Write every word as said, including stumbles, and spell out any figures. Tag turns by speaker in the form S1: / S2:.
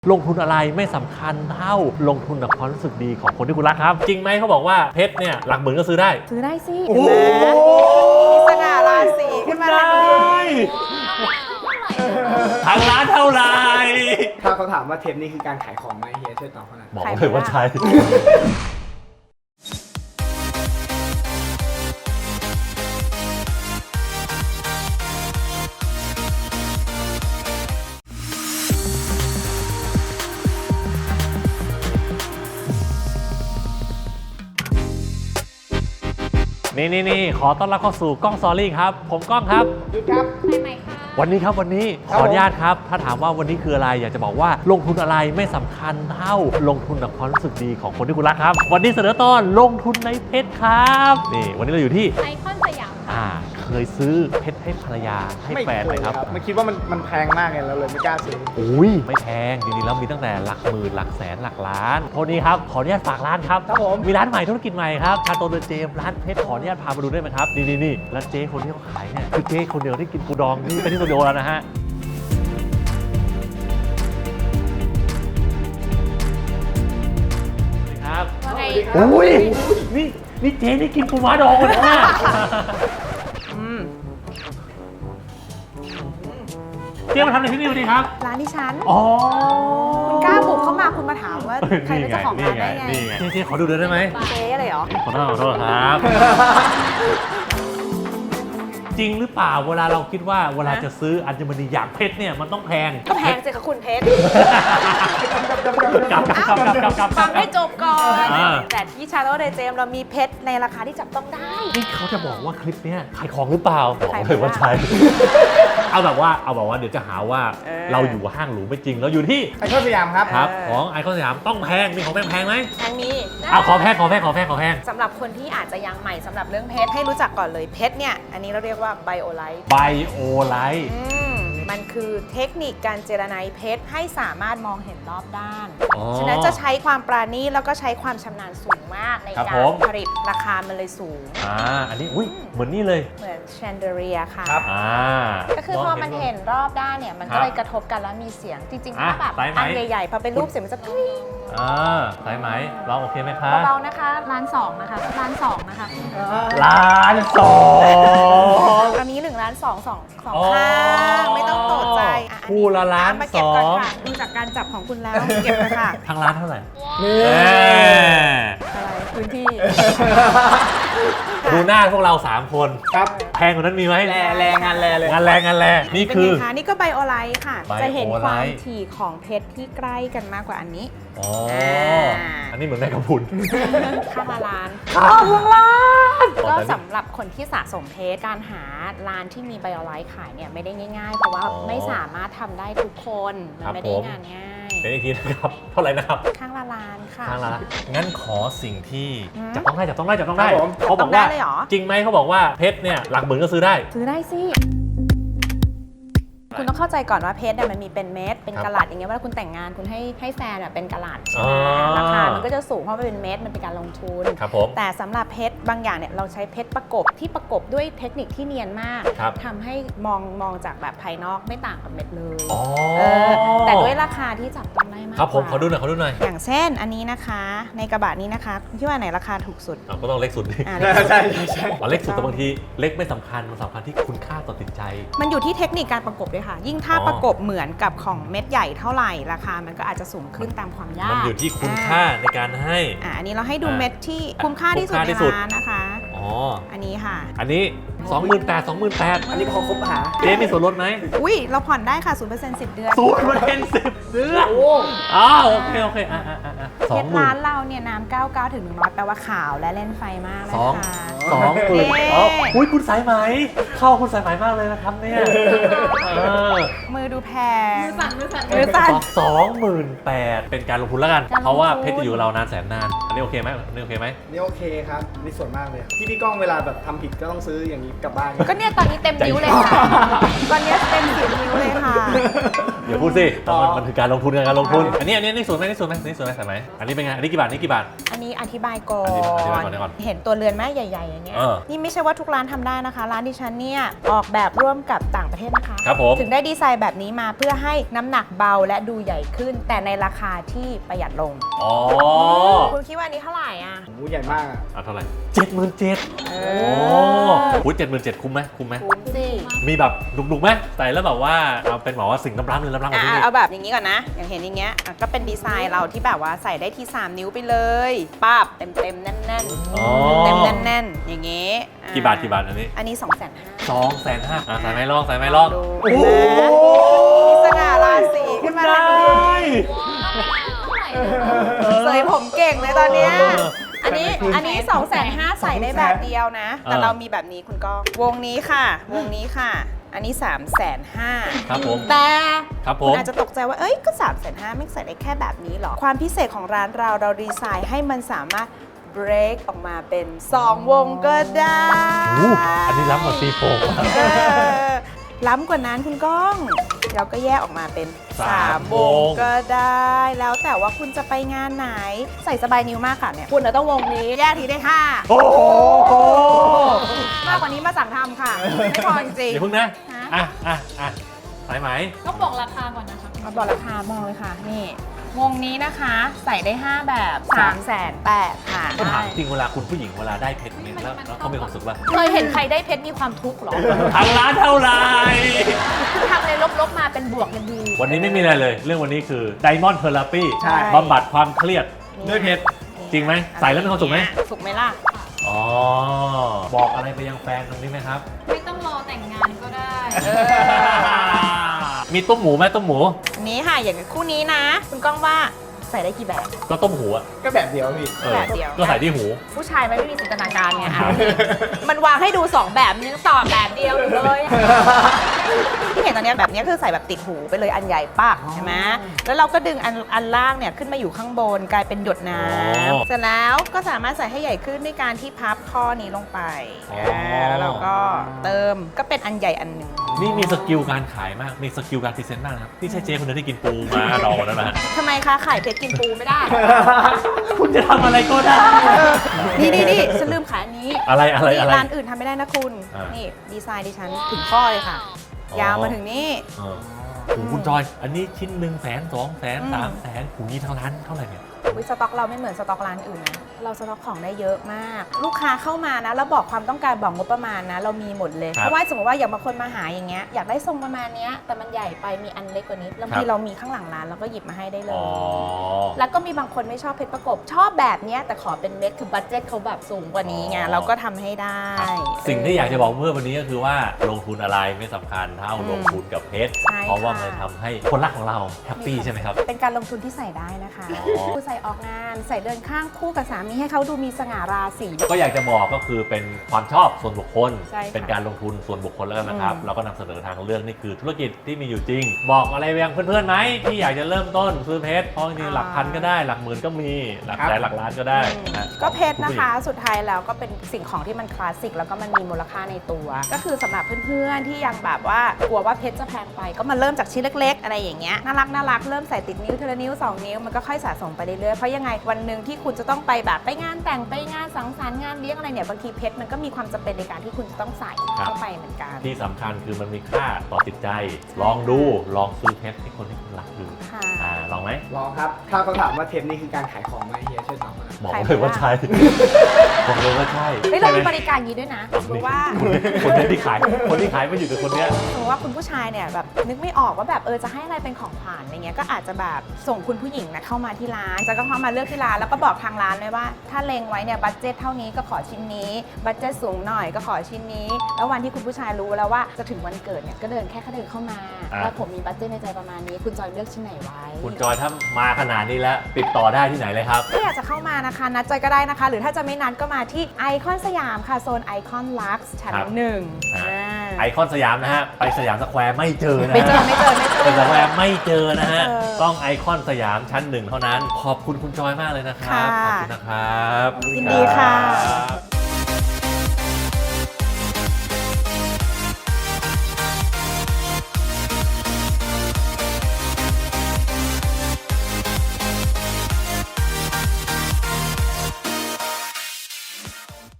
S1: ลงทุนอะไรไม่สำคัญเท่าลงทุนกับความรู้สึกดีของคนที่คุณรักครับจริงไหมเขาบอกว่าเพชรเนี่ยหลักหมื่นก็ซื้อได้
S2: ซื้อได้สิ
S1: โอ้โห
S2: มีสง่าราศีขึ้นมาทันที
S1: ทางร้านเท่าไหร่
S3: ถ้าเขาถามว่าเทปนี้คือการขายของไหมเฮียช่วยตอบเขาหน่อย
S1: บอกเลยว่าใช่นี่นี่นี่ขอต้อนรับเข้าสู่กล้องซอรี่ครับผมกล้องครับ
S3: หยุดครับ
S2: ใช่ไหมคะ
S1: วันนี้ครับวันนี้ข
S3: ครับ
S1: ออนุญาตครับถ้าถามว่าวันนี้คืออะไรอยากจะบอกว่าลงทุนอะไรไม่สำคัญเท่าลงทุนกับความรู้สึกดีของคนที่คุณรักครับวันนี้เสนอตอนลงทุนในเพชรครับนี่วันนี้เราอยู่ที่
S2: ไอคอนสยาม
S1: อ่าเคยซื้อเพชรให้ภรรยาให้แฟนไหมครับ
S3: ไม่คิดว่ามันมันแพงมากไงเราเลยไม่กล้าซื้อ
S1: อุ้ยไม่แพงจริงๆแล้วมีตั้งแต่หลักหมื่นหลักแสนหลักล้านโทนี้ครับขออนุญาตฝากร้านครับ
S3: ครับผม
S1: มีร้านใหม่ธุรกิจใหม่ครับชาโตเดอะเจมส์ร้านเพชรขออนุญาตพามาดูได้ไหมครับนี่นี่นี่แล้วเจ๊คนที่เขาขายเนี่ยคือเจ๊คนเดียวที่กินปูดองนี่เป็นที่สตูดิโอแล้วนะฮะครับ
S2: ว่าไง
S3: โอ้ย
S1: นี่นี่เจ๊นี่กินปูม้าดองเลยนะ
S2: อืม
S1: เจ๊มาทำอะไรที่นี่ดีครับ
S2: ร้านที่ฉัน
S1: อ๋อ
S2: คุณกล้าบุกเข้ามาคุณมาถามว่าใครเป็นเจ้าของร้านได้ไง
S1: นี่ไงเจ๊ขอดูเดินได้ไหม
S2: เจ๊อะไรเหรอ
S1: ขอโทษขอโทษครับ จริงหรือเปล่าเวลาเราคิดว่าเวลาจะซื้ออัญมณีอย่างเพชรเนี่ยมันต้องแพง
S2: ก็แพงสิคะคุณเพชร
S1: กลับกลับกลับกลับกลับกลับ
S2: ฟังให้จบก่อน
S1: อ่า
S2: แต่ที่ชาโลเดเจมเรามีเพชรในราคาที่จับต้องได้
S1: นี่เขาจะบอกว่าคลิปเนี้ยขายของหรือเปล่าบอก
S2: ขาย
S1: เลยว่า
S2: ไม่ได้
S1: ใช่ เอาแบบว่าเอาแบบว่าเดี๋ยวจะหาว่า
S2: เออ
S1: เราอยู่ห้างหรูไม่จริงเราอยู่ที่
S3: ไอคอนสยามครับ
S1: ครับ
S2: เออ
S1: ของไอคอนสยามต้องแพงมีของแพงแพงไหม
S2: แพงมี
S1: เอาขอแพงขอแพงขอแพงขอแพง
S2: สำหรับคนที่อาจจะยังใหม่สำหรับเรื่องเพชรให้รู้จักก่อนเลยเพชรเนี่ยอันนี้เราเรียกว่าไบโอไลท์
S1: ไบโอไลท์
S2: อืมมันคือเทคนิคการเจรไนเพชรให้สามารถมองเห็นรอบด้าน ฉะนั้นจะใช้ความปราณีตแล้วก็ใช้ความชำนาญสูงมากใน
S1: ครับ
S2: กา
S1: ผ
S2: ร
S1: ม
S2: ผลิตราคามันเลยสูง
S1: อ่าอันนี้อุ้ยเหมือนนี่เลย
S2: เหมือนแชนเดอเรียค่ะ
S3: ครับ
S1: อ่า
S2: ก็คือพอมันเห็นรอบด้านเนี่ยมัน
S1: ครั
S2: ก็
S1: บ
S2: เลยกระทบกันแล้วมีเสียง จริงๆ
S1: อ่ะ
S2: ถ้าแบบ
S1: สายไหม
S2: อันใหญ่ๆ พอเป็นรูปเสียงมันจะกริ๊ง
S1: อ่าสายไหมลองโอเคไหมคะ
S2: เบาๆนะคะร้านสองนะคะร้านสองนะคะ
S1: ล้านสอง
S2: อันนี้หนึ่งร้านสองสองสอง
S1: อ๋อ
S2: ข้างไม่ต้องตกใจอ่ะอันนี้
S1: คู่ละล้าน
S2: มาเก็บก่อน
S1: สอง
S2: ค่ะดูจากการจับของคุณแล้วเก็บเลยค่ะ
S1: ทางร้านเท่าไหร่
S3: นี่
S1: เอ้ย
S2: อะไรพื้นที่
S1: ดูหน้าพวกเราสามคน
S3: ครับ
S1: แพงกว่านั้นมีไหม
S3: แร่แรงงานแร่เลย
S1: งานแรงงานแรงนี่
S2: เป็น
S1: คือ
S2: ไงคะนี่ก็ไบโอไลท์ค่ะ
S1: ไบโอไลท์
S2: จะเห็นความถี่ของเพชรที่ใกล้กันมากกว่าอันนี้
S1: อ๋อ
S2: อ่า
S1: อันนี้เหมือนแม่กระพุน
S2: ข้างละล้าน
S1: ข้าวล้าน
S2: ก็สำหรับคนที่สะสมเพชรการหาร้านที่มีไบโอไลท์ขายเนี่ยไม่ได้ง่ายๆ เพราะว่าไม่สามารถทำได้ทุกคน มันไม่ได้งานง่าย
S1: เป็นอีกทีนะครับ เท่าไหร่นะครับ
S2: ข้างละล้านค่ะ
S1: ทางร้านงั้นขอสิ่งที่
S2: อืม
S1: จับต้องได้จับต้องได้จับต้องได้
S3: ครับผม
S1: เขาบอกว่า
S2: จับต้องได้เลยเหรอ
S1: จริงไหมเขาบอกว่าเพชรเนี่ยหลักหมื่นก็ซื้อได้
S2: ซื้อได้สิ คุณต้องเข้าใจก่อนว่าเพชรเนี่ยมันมีเป็นเม็ด เป็น
S1: ครับ
S2: กะลัดอย่างเงี้ยเวลาคุณแต่งงานคุณให้ให้แฟนอะเป็นกะลัดใช่
S1: อ๋
S2: ไหม
S1: อ
S2: ราคามันก็จะสูงเพราะมันเป็นเม็ด มันเป็นการลงทุน
S1: ครับผม
S2: แต่สำหรับเพชรบางอย่างเนี่ยเราใช้เพชรประกบที่ประกบด้วยเทคนิคที่เนียนมาก
S1: ครับ
S2: ทำให้มองมองจากแบบภายนอกไม่ต่างกับเม็ดเลย
S1: อ๋อ
S2: เออแต่ด้วยราคาที่จับต้องได้มาก
S1: ครับผม
S2: กว่า
S1: ขอดูหน่อยขอดูหน่อย
S2: อย่างเช่นอันนี้นะคะ ในกระบะนี้นะคะที่ว่าไหนราคาถูกสุด
S1: อ่ะก็ต้องเล็กสุดดิ
S2: อ่า
S3: ใช่ใช่ใช่
S1: อ๋อเล็กสุดแต่บางทีเล็กไม่สำคัญมันสำคัญที่คุณค่าต่อจิตใจ
S2: มันอยู่ที่เทคนิคการประกบด้วยค่ะ ยิ่งถ้า
S1: อ๋อ
S2: ประกบเหมือนกับของเม็ดใหญ่เท่าไหร่ ราคามันก็อาจจะสูงขึ้นตามความยาก
S1: มันอยู่ที่คุณค่าในการให้
S2: อ่าอันนี้เราให้ดู
S1: อ่า
S2: เม็ดที่คุ้มค่าที่สุด
S1: คุ้ม
S2: ใน
S1: ค่าที่สุด
S2: ร้านนะคะ
S1: อ๋อ
S2: อันนี้ค่ะ
S1: อันนี้ สองหมื่นแปด สองหมื่นแปด
S3: อันนี้พอครบหา
S1: เจ๊มีส่วนลดไหม
S2: อุ้ยเราผ่อนได้ค่ะ ศูนย์เปอร์เซ็นต์ สิบเดือน
S1: ศูนย์เปอร์เซ็นต์สิบเดือน
S3: โอ้
S1: อ๋อโอเคโอเคอ่ะอ่ะอ่ะอ่ะส
S2: เพ
S1: อง
S2: ชร
S1: หมื่
S2: ร้าน นเราเนี่ยน้ำเก้าสิบเก้าถึงหนึ่งร้อยแปลว่าขาวและเล่นไฟมากเลย
S1: สอง
S2: ค่ะ
S1: สองหมื่น
S2: เย้
S1: อ๋ออุ้ยคุณสายไหม เข้าคุณสายไหมมากเลยนะครับเนี่ยเออ
S2: มือดูแพง
S4: มือสั่นมือสั่น
S2: มือสั่น
S1: สองหมื่นแปดเป็นการลงทุนแล้วกัน
S2: การลงทุน
S1: เพราะว่าเพชรจะอยู่กับเรานานแสนนาน อันนี้โอเคไหมอันนี้โอเคไหม
S3: นี่โอเคครับนี่ส่วนมากเลย ที่พี่ก้องเวลาแบบทำผิดก็ต้องซื้ออย่างนี้กลับบ้าน
S2: ก็เนี่ยตอนนี้เต็มนิ้วเลยค่ะ ตอนนี้เต็มสิบนิ้วเลยค่ะ
S1: อย่าพูดสิ
S3: อ๋อ
S1: มันมันคือการลงทุนการลงทุน อันนี้อันนี้อันนี้สวยไหมอันนี่สวยไหมอันนี่สวยไหมสายไหมอันนี้เป็นไง อันนี้กี่บาทอันนี้กี่บาท
S2: อันนี้อธิบายก่อ
S1: อธิบายอธิบาย
S2: น
S1: ก่อนก่อน
S2: เห็นตัวเรือนไหมใหญ่ๆอย่างเงี้ย
S1: เออ
S2: นี่ไม่ใช่ว่าทุกร้านทำได้นะคะ ร้านดิฉันเนี่ยออกแบบร่วมกับต่างประเทศนะคะ
S1: ครับผม
S2: ถึงได้ดีไซน์แบบนี้มาเพื่อให้น้ำหนักเบาและดูใหญ่ขึ้น แต่ในราคาที่ประหยัดลง
S1: อ๋อ
S2: คุณคิดว่าอันนี้เท่าไหร่อ่ะ
S3: โอ้โหใหญ่มากอะ
S1: อ่ะเท่าไหร่เจ็ดหมื่นเจ็ด
S2: เอ
S1: โอ้
S2: อ
S1: โหเจ็ดหมื่นเจ็ดคุ้มไหมคุ้มไหม
S2: คุ้มสิ
S1: มีแบบดุกๆไหมใส่แล้วแบบว่าเอาเป็นแบบว่าสิ่งล้ำๆเลยล้ำๆกว่า
S2: อ่ะ
S1: ที่นี่
S2: เอาแบบอย่างนี้ก่อนนะ อย่างเห็นอย่างเงี้ยอ่ะก็เป็นดีไซน์เราที่แบบว่าใส่ได้ที่ สาม นิ้วไปเลยป้าบเต็มเต็มๆแน่น
S1: อ๋อ
S2: ๆเต็มๆแน่นๆอย่างงี้อ่ะ
S1: กี่บาทกี่บาทอันนี้
S2: อันนี้ สองแสนห้า
S1: สองแสนห้าอ่ะใส่ไม้ลองใส่ไม้ลอง
S2: ดู
S1: โอ้โห
S2: มีสง่าราศีขึ้นมาทันทีเสยผมเก่งเลยตอนเนี้ย
S1: เออ
S2: อันนี้อันนี้ สองแสนห้า ใส่ได้แบบเดียวนะ แต่
S1: เออ
S2: เรามีแบบนี้คุณก้องวงนี้ค่ะ วงนี้ค่ะ อันนี้ สามแสนห้า
S1: ครับผม
S2: แต่
S1: ครับผ
S2: คุณ
S1: ม
S2: อาจจะตกใจว่า เอ้ย ก็ สามแสนห้า ไม่ใส่ได้แค่แบบนี้หรอ ความพิเศษของร้านเราเราดีไซน์ให้มันสามารถ break ออกมาเป็น สอง วงก็ได้
S1: อู้อันนี้ล้ำกว่าซีโฟม
S2: เออล้ำกว่านั้นคุณก้อง เราก็แยกออกมาเป็น
S1: สาม
S2: สาม ว
S1: ว
S2: ง
S1: ง
S2: ก็ได้ แล้วแต่ว่าคุณจะไปงานไหน ใส่สบายนิ้วมากค่ะเนี่ย คุณจะต้องวงนี้ แยกทีได้ห้า
S1: โอ้โห
S2: มากกว่านี้มาสั่งทำค่ะ ไม่พอจริง
S1: เดี๋ยวเพิ่งนะ
S2: ฮะ
S1: อ่ะอ่ะอ่ะสายไหม
S4: ต้องบอกราคาก่อนนะคะ
S2: เอาบอกราคามองเลยค่ะ นี่ วงนี้นะคะใส่ได้ ห้า แบบ3ามแสนแปดค่ะ
S1: ก็ถามจริงเวลาคุณผู้หญิงเวลาได้เพชรเนี่ยแล้วแล้วเขามีความสุขป่ะ
S4: เคยเห็นใครได้เพชรมีความทุกข์เหรอ
S1: ทางร้านเท่าไหร่
S4: คือทำในลบๆมาเป็นบวกยังดี
S1: วันนี้ไม่มีอะไรเลย เรื่องวันนี้คือ Diamond Therapy
S3: ใช่
S1: บำบัดความเครียด
S3: ด้วยเพชร
S1: จริงไหมใส่แล้วมีความสุขไหม
S2: สุขไหมล่ะ
S1: อ๋อ บอกอะไรไปยังแฟนตรงนี้ไหมครับ
S4: ไม่ต้องรอแต่งงานก็ได้
S2: เออ
S1: มีต้มหมูไหมต้มหมู
S2: อันนี้ค่ะ อย่างคู่นี้นะ คุณก้องว่าใส่ได้กี่แบบ
S1: ก็ต้มหูอะ
S3: ก็แบบเดียวพี่
S1: ออ
S2: แบบเดียว
S1: ก็ใส่ที่หู
S2: ผู้ชายมันไม่มีจินตนาการไงอ่ะ มันวางให้ดู สอง แบบมันยังตอบแบบเดียวอยู่เลยอะที่เห็นตอนเนี้ยแบบเนี้ยคือใส่แบบติดหูไปเลยอันใหญ่ปักใช่ไหมแล้วเราก็ดึงอันอันล่างเนี่ยขึ้นมาอยู่ข้างบนกลายเป็นหยดน้
S1: อ๋อ
S2: ำเสร็จแล้วก็สามารถใส่ให้ใหญ่ขึ้นด้วยการที่พับข้อนี้ลงไป
S1: อ๋ออ่
S2: าแล้วเราก็เติมก็เป็นอันใหญ่อันหนึ่ง
S1: นี่มีสกิลการขายมาก มีสกิลการพรีเซนต์มากนะครับนี่ใช่เจ๊คนเดียวที่กินปูมาดองแล้วนะฮะ
S2: ทำไมคะไข่เพชรกินปูไม่ได้
S1: คุณจะทำอะไรก็ได้
S2: นี่นี่นี่ฉันลืมขายอันนี้
S1: อะไรอะไร
S2: นี่
S1: อะไร
S2: ร้านอื่นทำไม่ได้นะคุณ
S1: อ่านี่
S2: นี่ดีไซน์ดิฉันถึงข้อเลยค่ะ
S1: อ๋อ
S2: ยาวมาถึงนี่
S1: เออโอ้โหคุณจอย อันนี้ชิ้นหนึ่งแสนสองแสน
S2: อืม
S1: สามแสนหูนี้ทางร้านเท่าไหร่เนี่ย
S2: วิสต็อกเราไม่เหมือนสต็อกร้านอื่นนะเราสต็อกของได้เยอะมาก ลูกค้าเข้ามานะแล้วบอกความต้องการบอกงบประมาณนะ เรามีหมดเลย
S1: ครับ
S2: เพราะว่าสมมติว่าอย่างบางคนมาหาอย่างเงี้ยอยากได้ทรงประมาณเนี้ยแต่มันใหญ่ไปมีอันเล็กกว่านี้บางที
S1: ครับ
S2: เรามีข้างหลังร้านเราก็หยิบมาให้ได้เล
S1: อ๋
S2: ย
S1: อ
S2: แล้วก็มีบางคนไม่ชอบเพชรประกบชอบแบบเนี้ยแต่ขอเป็นเม็ดคือบัตเจ็ตเขาแบบสูงกว่านี้ไง
S1: อ๋อ
S2: เราก็ทำให้ได้
S1: สิ่งที่อยากจะบอกเมื่อวันนี้ก็คือว่าลงทุนอะไรไม่สำคัญเท่า
S2: อืม
S1: ลงทุนกับเพชร
S2: ใช่
S1: เพราะว่า
S2: ค่ะ
S1: มันทำให้คนรักของเราแฮปปี้ใช่ไหมครับ
S2: เป็นการลงทุนที่ใส่ได้นะคะ
S1: อ๋อ
S2: ผู้ใส่ออกงานใส่เดินข้างคู่กับสามีให้เขาดูมีสง่าราศี
S1: ก็อยากจะบอกก็คือเป็นความชอบส่วนบุคคล
S2: ใช่ค่ะ
S1: เป็นการลงทุนส่วนบุคคลแล้วกันนะครับ
S2: อืม
S1: เราก็นำเสนอทางเรื่องนี่คือธุรกิจที่มีอยู่จริง บอกอะไรไปยังเพื่อนๆไหมที่อยากจะเริ่มต้นซื้อเพชรเพราะจริงๆหลักพันก็ได้หลักหมื่นก็มีหลักแสนหลักล้านก็ได้นะ
S2: ก็เพชรนะคะ สุดท้ายแล้วก็เป็นสิ่งของที่มันคลาสสิกแล้วก็มันมีมูลค่าในตัว ก็คือสำหรับเพื่อนๆที่ยังแบบว่ากลัวว่าเพชรจะแพงไปก็มาเริ่มจากชิ้นเล็ก ๆ อะไรอย่างเงี้ยน่ารักน่ารักเริ่มใส่ติดนิ้วทีละนิ้วสองนิ้วมันก็ค่อยสะสมไปเรื่อยๆเพราะยังไงวันหนึ่งที่คุณจะต้องไปแบบไปงานแต่งไปงานสังสรรค์งานเลี้ยงอะไรเนี่ยบางทีเพชรมันก็มีความจำเป็นในการที่คุณจะต้องใส่เข้าไปเหมือนกัน
S1: ที่สำคัญคือมันมีค่าต่อจิตใจ ลองดูลองซื้อเพชรให้คนที่คุณรักดู
S2: ค่ะ
S1: อ่าลองไหม
S3: ลองครับ ถ้าเขาถามว่าเทปนี้คือการขายของไหมเฮียช่วยตอบมา
S1: บอกเลยว่าใช่บอกเลยว่าใช่
S2: เฮ้ยเรา
S1: ใช่
S2: มี
S1: ไห
S2: บริการอย่างนี้ด้วยนะสมมติว่า
S1: คนนี้ที่ขายคนที่ขายไม่อยู่กับคนเนี้ย
S2: สมมติว่าคุณผู้ชายเนี่ยแบบนึกไม่ออกว่าแบบเออจะให้อะไรเป็นของขวัญอะไรเงี้ยก็อาจจะแบบส่งคุณผู้หญิงนะเข้ามาที่ร้านจะก็เข้ามาเลือกที่ร้านแล้วก็บอกทางร้านเลยว่า ถ้าเลงไว้เนี่ยบัตเจ็ตเท่านี้ก็ขอชิ้นนี้บัตเจ็ตสูงหน่อยก็ขอชิ้นนี้ แล้ววันที่คุณผู้ชายรู้แล้วว่าจะถึงวันเกิดเนี่ยก็เดินแค่เขาเดินเข้ามา
S1: อ่ะ
S2: แล้วผมมีบัตเจ็ตในใจประมาณนี้ คุณจอยเลือกชิ้นไหนไว้
S1: คุณจอยถ้ามาขนาดนี้แล้วติดต่อได้ที่ไหนเลยครับ
S2: ถ้าอยากจะเข้ามานะคะนัดจอยก็ได้นะคะ หรือถ้าจะไม่นัดก็มาที่ไอคอนสยามค่ะโซนไอคอนลักซ์ชั้น
S1: ครับ
S2: หนึ่ง
S1: อ่า
S2: อ่า
S1: ไอคอนสยามนะฮะ ไปสยามสแควร์ไม่เจอนะฮะ
S2: ไม่เจอไม่เจอไม่เจอ
S1: ไปสแควร์ไม่เจอนะฮะ
S2: ไม่เจอ
S1: ต้องไอคอนสยามชั้นหนึ่งเท่านั้น ขอบคุณคุณจอยมากเลยนะครับ
S2: ค่ะ
S1: ขอบคุณนะครับ
S2: ยินดีค่ะ
S1: รับ